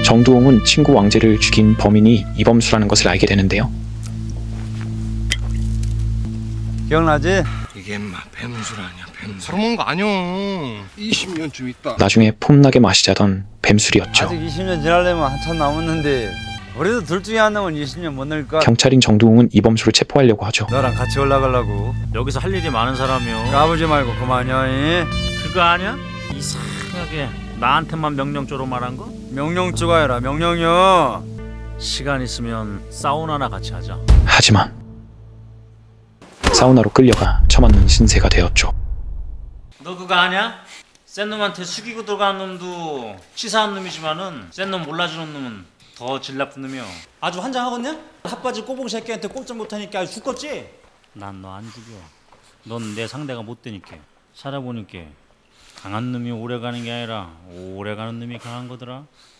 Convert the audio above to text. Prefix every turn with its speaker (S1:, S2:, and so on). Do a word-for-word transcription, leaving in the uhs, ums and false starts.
S1: 정두홍은 친구 왕재를 죽인 범인이 이범수라는 것을 알게 되는데요.
S2: 기억나지?
S3: 이게 인마 뱀술 아니야 뱀술. 서러운 거 아니야. 이십 년쯤 있다.
S1: 나중에 폼나게 마시자던 뱀술이었죠.
S2: 아직 이십 년 지나려면 한참 남았는데 우리도 둘 중에 한 놈은 이십 년 못 낼까?
S1: 경찰인 정두홍은 이범수를 체포하려고 하죠.
S2: 너랑 같이 올라가려고.
S4: 여기서 할 일이 많은 사람이요.
S2: 까부지 말고 그만이야. 이?
S4: 그거 아니야? 이상하게 나한테만 명령조로 말한 거?
S2: 명령조가 아니라 명령이요.
S4: 시간 있으면 사우나나 같이 하자.
S1: 하지만 사우나로 끌려가 처맞는 신세가 되었죠.
S4: 너 그거 아냐? 센 놈한테 숙이고 들어간 놈도 치사한 놈이지만은 센 놈 몰라주는 놈은 더 질 나쁜 놈이요.
S5: 아주 환장하겠냐? 핫바지 꼬봉 새끼한테 꼼짝 못하니까 아주 죽겠지?
S4: 난 너 안 죽여. 넌 내 상대가 못 되니까. 살아보니까 강한 놈이 오래 가는 게 아니라 오래 가는 놈이 강한 거더라.